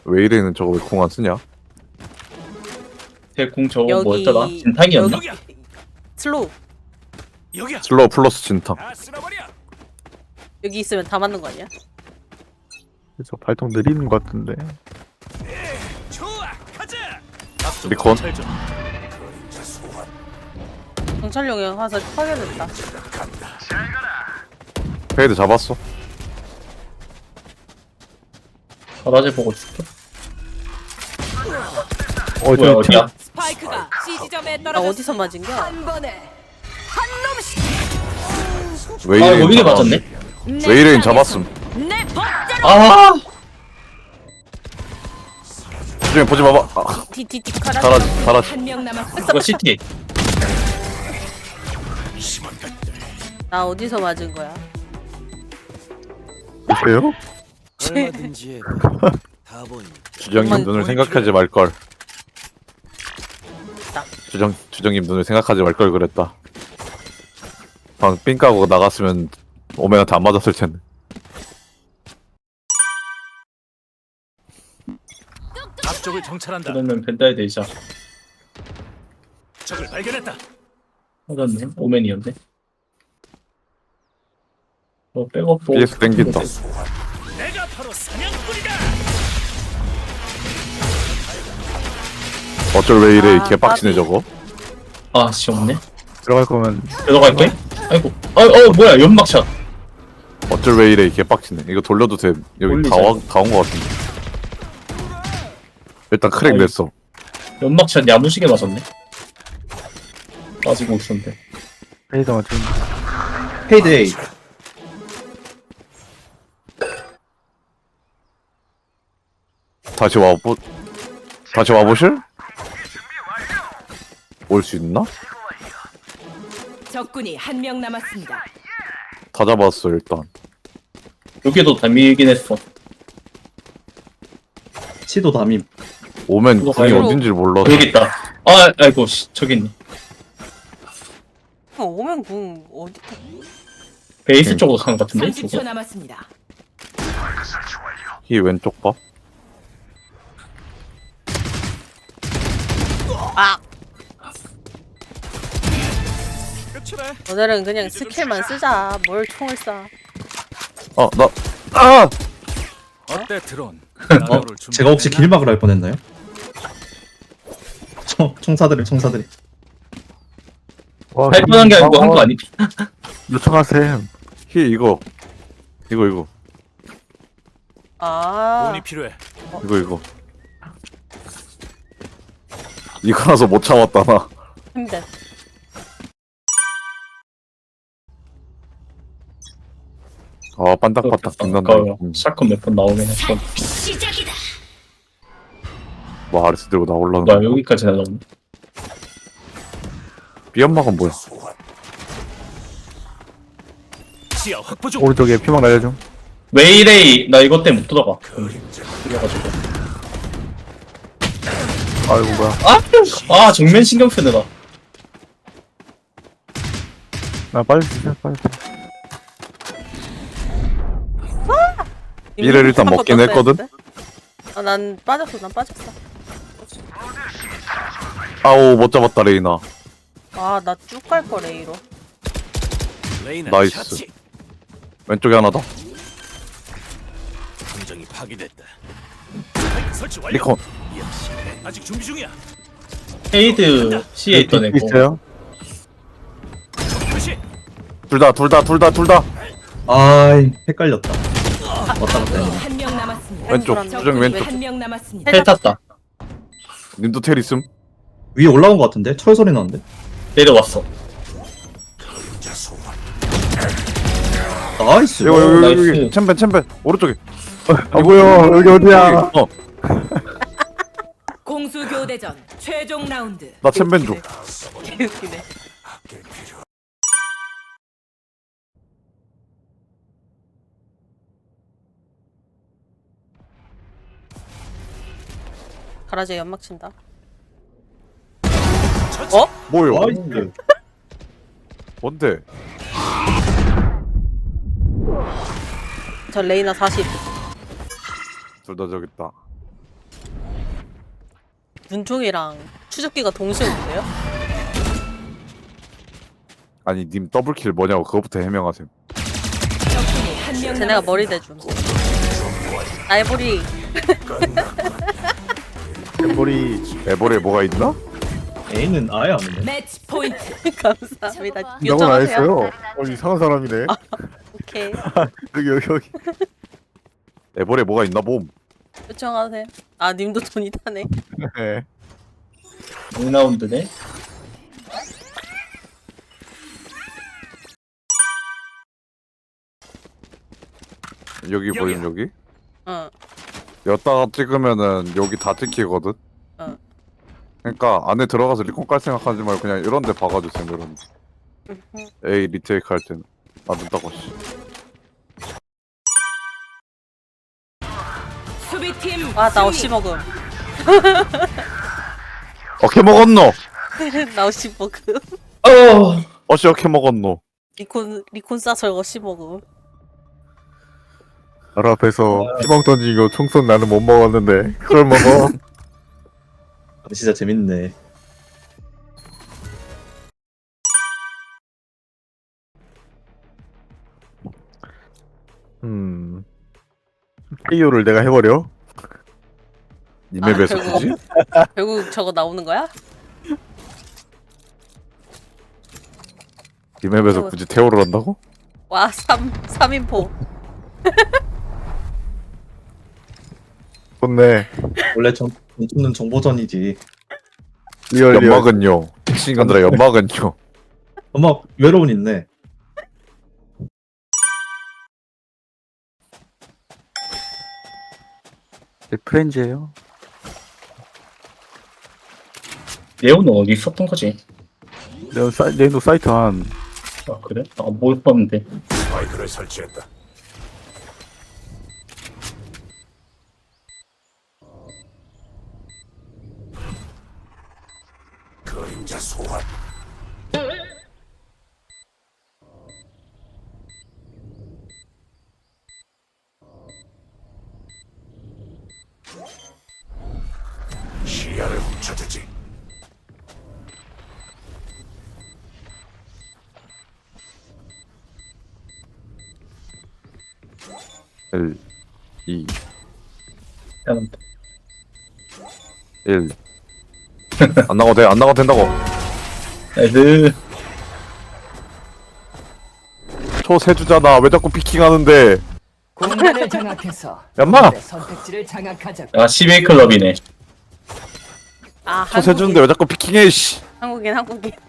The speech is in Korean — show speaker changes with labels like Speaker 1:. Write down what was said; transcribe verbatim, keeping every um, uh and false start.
Speaker 1: 왜 이래는 저거 왜 공 안 쓰냐?
Speaker 2: 대공 저거
Speaker 3: 여기
Speaker 2: 뭐였더라? 진탕이었나?
Speaker 3: 여기 슬로우
Speaker 4: 여기야.
Speaker 1: 슬로우 플러스 진탕.
Speaker 4: 다 쓸어버려.
Speaker 3: 여기 있으면 다 맞는 거 아니야?
Speaker 5: 그래서 발동 느리는 것 같은데.
Speaker 4: 좋아, 가자.
Speaker 1: 리콘.
Speaker 3: 경찰용의 화살 파괴됐다.
Speaker 1: 페이드 잡았어.
Speaker 2: 바라지 보고 줄게.
Speaker 5: 어,
Speaker 2: 뭐야
Speaker 5: 저
Speaker 2: 어디야?
Speaker 6: 스파이크가 C 지점에
Speaker 3: 나
Speaker 6: 떨어졌습니다.
Speaker 3: 어디서 맞은 겨?
Speaker 6: 한 번에 한 놈씩
Speaker 1: 왜
Speaker 2: 아
Speaker 1: 이래?
Speaker 2: 여기에 맞았네?
Speaker 1: 왜 이래 잡았음.
Speaker 6: 내 법대로
Speaker 2: 아
Speaker 1: 주중에 보지 마봐. 아,
Speaker 3: 디디디 카라.
Speaker 1: 잘하지, 잘하지.
Speaker 6: 한 명 남았습니다.
Speaker 2: 이거 시티.
Speaker 3: 나 어디서 맞은 거야?
Speaker 5: 보세요?
Speaker 4: 얼마든지 다 보인다.
Speaker 1: 주정님
Speaker 3: 엄마,
Speaker 1: 눈을 생각하지 말 걸. 주정 주정님 눈을 생각하지 말 걸 그랬다. 방 삥 까고 나갔으면 오메한테 안 맞았을 텐데.
Speaker 4: 앞쪽을 정찰한다.
Speaker 2: 그러면 벤다이 되자.
Speaker 4: 적을 발견했다.
Speaker 2: 맞았네. 오맨이었네. 어 백업 보고.
Speaker 1: 비에스 땡긴다.
Speaker 4: 내가 바로 사냥꾼이다.
Speaker 1: 어쩔 왜 이래?
Speaker 3: 아,
Speaker 1: 개빡치네
Speaker 3: 나비.
Speaker 1: 저거.
Speaker 2: 아 시험네.
Speaker 5: 들어갈 거면
Speaker 2: 들어갈게. 아이고. 아어 뭐야 연막샷.
Speaker 1: 어쩔 왜 이래? 개빡치네. 이거 돌려도 돼. 여기
Speaker 2: 돌리자.
Speaker 1: 다온다온 거 같은데. 일단 크랙
Speaker 2: 어이.
Speaker 1: 냈어.
Speaker 2: 연막샷 야무지게 맞았네. 빠지고 있었는데.
Speaker 5: 페이드 맞춘.
Speaker 2: 페이데이.
Speaker 1: 다시 와보 다시 와보실? 올 수 있나?
Speaker 6: 적군이 한 명 남았습니다.
Speaker 1: 다 잡았어 일단.
Speaker 2: 여기도 담이긴 했어.
Speaker 7: 치도 담임.
Speaker 1: 오면
Speaker 2: 그거
Speaker 1: 궁이
Speaker 2: 가요?
Speaker 1: 어딘지를 몰라서.
Speaker 2: 여기 있다. 아 아이고 씨, 저기 있네.
Speaker 3: 형 오면 궁 어디?
Speaker 2: 베이스
Speaker 1: 응.
Speaker 2: 쪽으로 가는 것 같은데?
Speaker 6: 삼십 초
Speaker 2: 저거?
Speaker 6: 남았습니다.
Speaker 1: 이 왼쪽 봐.
Speaker 3: 아,
Speaker 4: 끝이래.
Speaker 3: 오늘은 그냥 스킬만 쓰자. 뭘 총을 쏴?
Speaker 1: 어 나 아!
Speaker 4: 어때 드론?
Speaker 7: 어? 제가 혹시 길막을 할 뻔했나요? 총, 총사들이 총사들이.
Speaker 5: 와,
Speaker 2: 할 뻔한 게 아니고 한 거 아니?
Speaker 5: 요청하셈.
Speaker 1: 히 이거 이거 이거
Speaker 3: 아,
Speaker 4: 돈이 필요해.
Speaker 1: 이거 이거 이거라서 못 참았다 나.
Speaker 3: 힘들.
Speaker 1: 아 반딱반딱 빛난다.
Speaker 2: 아까워.
Speaker 1: 음.
Speaker 2: 샷건 몇 번 나오긴 했어.
Speaker 6: 시작이다.
Speaker 1: 뭐 아레스 들고 나올라는
Speaker 2: 뭐야
Speaker 1: 거.
Speaker 2: 여기까지 나오네.
Speaker 1: 비연막은 뭐야?
Speaker 4: 시야 확보 중.
Speaker 5: 오른쪽에 피망 날려줘.
Speaker 2: 웨이레이 나 이것 때문에 못 들어가. 그래가지고.
Speaker 5: 아이고 뭐야.
Speaker 2: 아 정면 신경 쓰느라.
Speaker 5: 나 빨리 주세요. 빨리.
Speaker 1: 이를 일단
Speaker 3: 한번
Speaker 1: 먹긴
Speaker 3: 더
Speaker 1: 했거든?
Speaker 3: 써야 되는데? 아, 난 빠졌어. 난 빠졌어.
Speaker 1: 아오 못 잡았다 레이나.
Speaker 3: 아, 나 쭉 갈 거 레이로.
Speaker 4: 레이나
Speaker 1: 나이스.
Speaker 4: 샷치.
Speaker 1: 왼쪽에 하나 더.
Speaker 4: 감정이 파괴됐다. 스파이크 설치 완료.
Speaker 1: 리콘.
Speaker 4: 역시 아직 준비 중이야.
Speaker 2: 헤이드 C에 있던 애고.
Speaker 5: 있어요?
Speaker 4: 표시.
Speaker 1: 둘 다 둘 다 둘 다 둘 다.
Speaker 7: 아이 헷갈렸다. 왔다 갔다 했네.
Speaker 6: 한 명 남았습니다.
Speaker 1: 왼쪽
Speaker 3: 왼쪽.
Speaker 1: 주정 왼쪽.
Speaker 6: 한 명 남았습니다.
Speaker 2: 헬 탔다.
Speaker 1: 님도 텔 있음?
Speaker 7: 위에 올라온 것 같은데? 철 소리 나는데?
Speaker 2: 내려왔어.
Speaker 7: 나이스.
Speaker 1: 여기 여기 여기,
Speaker 2: 나이스.
Speaker 1: 여기 챔벤 챔벤 오른쪽에.
Speaker 5: 아 뭐야 여기 어디야?
Speaker 1: 어,
Speaker 6: 공수 교대전 최종 라운드.
Speaker 1: 나 챔벤 줘.
Speaker 3: 개웃기네. 가라지에 연막 친다. 어?
Speaker 1: 뭐요?
Speaker 7: 나이스.
Speaker 1: 뭔데?
Speaker 3: 저 레이나 사십.
Speaker 1: 둘 다 저기 있다.
Speaker 3: 눈총이랑 추적기가 동시에 오는데요?
Speaker 1: 아니 님 더블킬 뭐냐고 그거부터 해명하세요.
Speaker 6: 적군이 한 명
Speaker 3: 쟤네가 머리 대줌. 나의 머리.
Speaker 5: 머리.
Speaker 1: 에버에 뭐가 있나?
Speaker 7: A는 아예 안 오네.
Speaker 6: 매치 포인트.
Speaker 3: 감사합니다.
Speaker 5: 나건 안
Speaker 3: 요청하세요.
Speaker 5: 했어요. 어, 이상한 사람이네.
Speaker 3: 오케이.
Speaker 5: 여기 여기 여기.
Speaker 1: 에버에 뭐가 있나 봄.
Speaker 3: 요청하세요. 아 님도 돈이 타네.
Speaker 5: 네.
Speaker 2: 이 라운드네.
Speaker 1: 여기 보임 여기.
Speaker 3: 어.
Speaker 1: 여기다가 찍으면은 여기 다 찍히거든.
Speaker 3: 어.
Speaker 1: 그러니까 안에 들어가서 리콘 깔 생각하지 말고 그냥 이런 데 박아주세요. 이런 데. 에이 리테이크 할 때는 아 눈따고 씨.
Speaker 6: 수비팀
Speaker 3: 아 나 어시 먹음.
Speaker 1: 어케 먹었노?
Speaker 3: 나 어시 먹음.
Speaker 2: 어.
Speaker 1: 어씨 어케 먹었노?
Speaker 3: 리콘 리콘 싸서 어시 먹음.
Speaker 5: 바로 앞에서 희망 던지고 총쏜 나는 못 먹었는데 그걸 먹어.
Speaker 7: 아, 진짜 재밌네.
Speaker 5: 음. 케이오를 내가 해버려?
Speaker 1: 이 맵에서
Speaker 3: 결국-
Speaker 1: 굳이?
Speaker 3: 결국 저거 나오는 거야?
Speaker 1: 이 맵에서 굳이 태오를 한다고?
Speaker 3: 와, 삼, 삼인포.
Speaker 5: 좋네.
Speaker 7: 원래 전, 전투는 정보전이지.
Speaker 5: 리얼 리얼.
Speaker 1: 연막은요. 친구들아 연막은요.
Speaker 7: 엄마 외로운 있네.
Speaker 5: 프렌즈예요.
Speaker 2: 레오는 어디 있었던 거지?
Speaker 5: 내가 사, 내도 사이트 한.
Speaker 2: 아 그래? 아못 봤는데.
Speaker 4: 스파이크를 설치했다. 그림자 소환. 시야를 훔쳐주지.
Speaker 1: 일, 이,
Speaker 2: 미안합니다.
Speaker 1: 일. 안 나가도 돼. 안 나가도 된다고.
Speaker 2: 애들
Speaker 1: 초세주잖아. 왜 자꾸 피킹하는데?
Speaker 6: 공간을 장악해서
Speaker 1: 얌마!
Speaker 6: 선택지를 장악하자.
Speaker 2: 아 십일 클럽이네.
Speaker 3: 아,
Speaker 1: 초세주인데 왜 자꾸 피킹해? 씨.
Speaker 3: 한국인, 한국인.